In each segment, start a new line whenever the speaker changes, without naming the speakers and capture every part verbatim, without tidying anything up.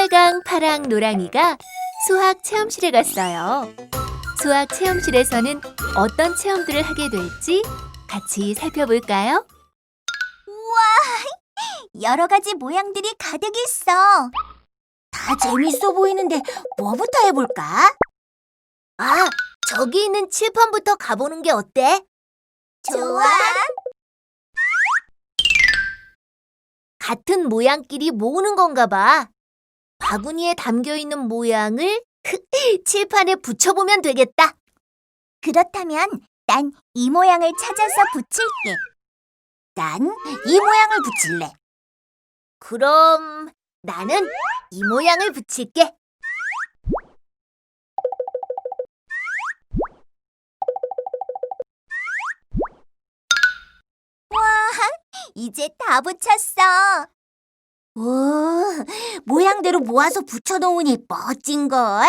빨강, 파랑, 노랑이가 수학 체험실에 갔어요. 수학 체험실에서는 어떤 체험들을 하게 될지 같이 살펴볼까요?
우와, 여러 가지 모양들이 가득 있어. 다 재밌어 보이는데 뭐부터 해볼까?
아, 저기 있는 칠판부터 가보는 게 어때?
좋아.
같은 모양끼리 모으는 건가 봐. 바구니에 담겨있는 모양을 칠판에 붙여보면 되겠다.
그렇다면 난 이 모양을 찾아서 붙일게. 난 이 모양을 붙일래.
그럼 나는 이 모양을 붙일게.
이제 다 붙였어. 오, 모양대로 모아서 붙여놓으니 멋진걸?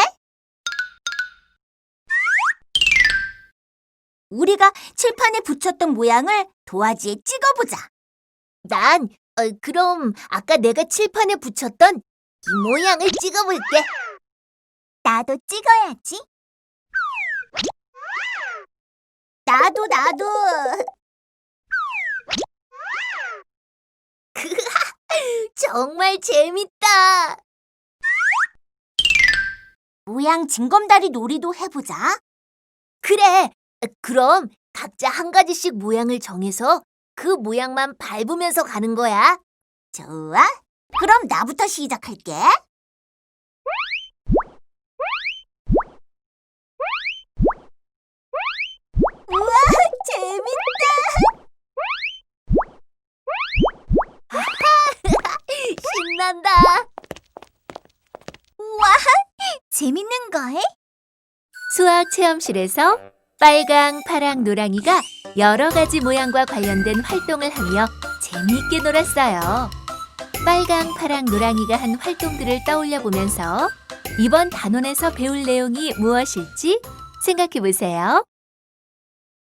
우리가 칠판에 붙였던 모양을 도화지에 찍어보자.
난 어, 그럼 아까 내가 칠판에 붙였던 이 모양을 찍어볼게.
나도 찍어야지. 나도, 나도.
정말 재밌다.
모양 징검다리 놀이도 해보자.
그래. 그럼 각자 한 가지씩 모양을 정해서 그 모양만 밟으면서 가는 거야.
좋아. 그럼 나부터 시작할게. 우와, 재밌다.
신난다.
우와, 재밌는걸?
수학 체험실에서 빨강, 파랑, 노랑이가 여러 가지 모양과 관련된 활동을 하며 재미있게 놀았어요. 빨강, 파랑, 노랑이가 한 활동들을 떠올려 보면서 이번 단원에서 배울 내용이 무엇일지 생각해 보세요.